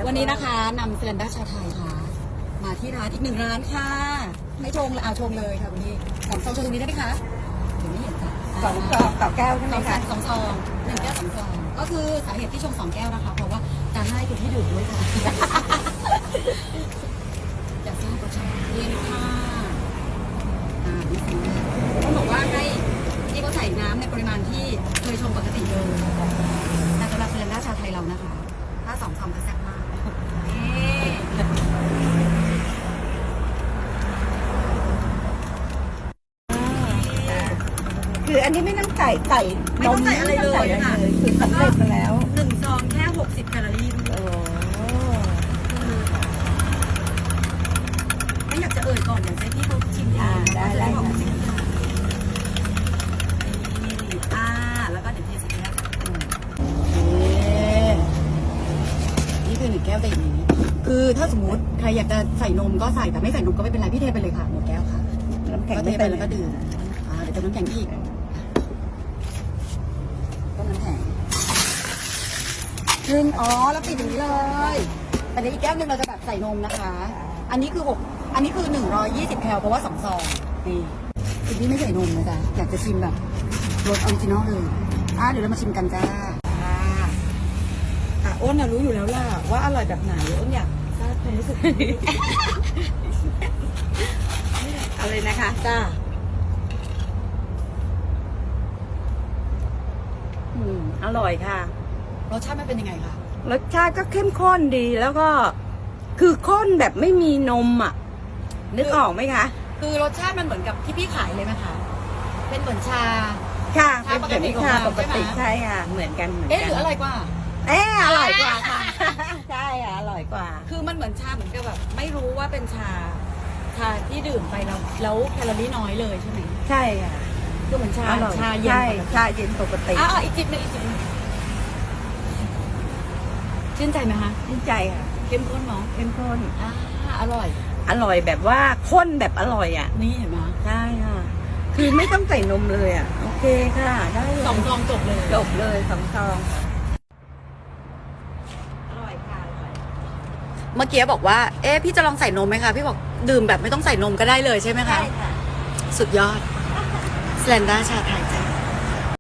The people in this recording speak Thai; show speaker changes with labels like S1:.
S1: วันนี้นะคะนำเซเลนด้าชาไทยค่ะมาที่ร้านอีก1 ร้านค่ะไม่ชงเลยชงเลยค่ะวันนี้2 ซองชงตรงนี้ได้ไหมคะเดี๋ยวไม่เห็นจ้ะ
S2: 2 ซองต่อแก้วใช่ไหมคะ
S1: 2 ซอง1 แก้ว 2 ซองก็คือสาเหตุที่ชง2 แก้วนะคะเพราะว่าจะให้คุณที่ดื่มด้วยค่ะอยากทราบรสชาตินี่ค่ะนี่สิต้องบอกว่าให้ที่เขาใส่น้ำในปริมาณที่เคยชงปกติเลยแต่สำหรับเซเลนด้าชาไทยเรานะคะถ้า2 ซองจะแซ่บมาก
S2: คืออันนี้ไม่ต้องใส่
S1: ไม่ต้องใส่อะไรเลยค่ะ
S2: คือสำเร็จมาแล้ว
S1: 1 ซองแค่60 แคลอรี่ไม่อยากจะเอ่ยก่อนอยากให้พี่เขาชิมได้แล้วก็เดี๋ยวเทใส่แก้วนี่คือ1 แก้วแต่อย่างนี้คือถ้าสมมติใครอยากจะใส่นมก็ใส่แต่ไม่ใส่นมก็ไม่เป็นไรพี่เทไปเลยค่ะ1 แก้วค่ะ
S2: น้ำแข็ง
S1: ก็เทไปแล้วก็ดื่มเดี๋ยวเติมน้ำแข็งอีกต้มน้ำแข็งแล้วปิดอย่างนี้เลยแต่ในอีกแก้วนึงเราจะแบบใส่นมนะคะอันนี้คือ120 แคลเพราะว่า2 ซองนี่คือพี่ไม่ใส่นมนะจ๊ะอยากจะชิมแบบรสออริจินอลเลยเดี๋ยวเรามาชิมกันจ้า
S2: อ้นรู้อยู่แล้วล่ะว่าอร่อยแบบไหนอ้นอยากทราบความรู้สึกเอาเลยนะคะ
S1: จ้า
S2: อร่อยค่ะ
S1: รสชาติมันเป็นยังไงคะ
S2: รสชาติก็เข้มข้นดีแล้วก็คือข้นแบบไม่มีนมนึกออกไหมคะ
S1: คือรสชาติมันเหมือนกับที่พี่ขายเลยไหมคะเป็นเหมือนชา
S2: ค่ะเป็นแบบชาปกติใช่ค่ะเหมือนกัน
S1: หรืออร่อยกว่า
S2: อร่อยกว่าค่ะใช่ค่ะอร่อยกว่า
S1: คือมันเหมือนชาเหมือนกับแบบไม่รู้ว่าเป็นชาที่ดื่มไปแล้วแคลอรี่น้อยเลยใช่ไหม
S2: ใช่ค่ะ
S1: ก็เหมือนชาเย็น
S2: ชาเย็นปกติ
S1: อีกจิบนึงชื่นใจไหมคะ
S2: ชื่นใจค่ะ
S1: เข้มข้นเนาะ
S2: เข้มข้น
S1: อร่
S2: อยแบบว่าข้นแบบอร่อย
S1: นี่เห็นไหม
S2: ใช่ค่ะคือไม่ต้องใส่นมเลยโอเคค่ะได้
S1: 2 ซองจบเลย
S2: 2 ซองอร่อยค่ะ
S1: เมื่อกี้บอกว่าพี่จะลองใส่นมไหมคะพี่บอกดื่มแบบไม่ต้องใส่นมก็ได้เลยใช่ไหมคะ
S2: ใช่ค่ะ
S1: สุดยอดสแลนด้าชาไทยจ้ะ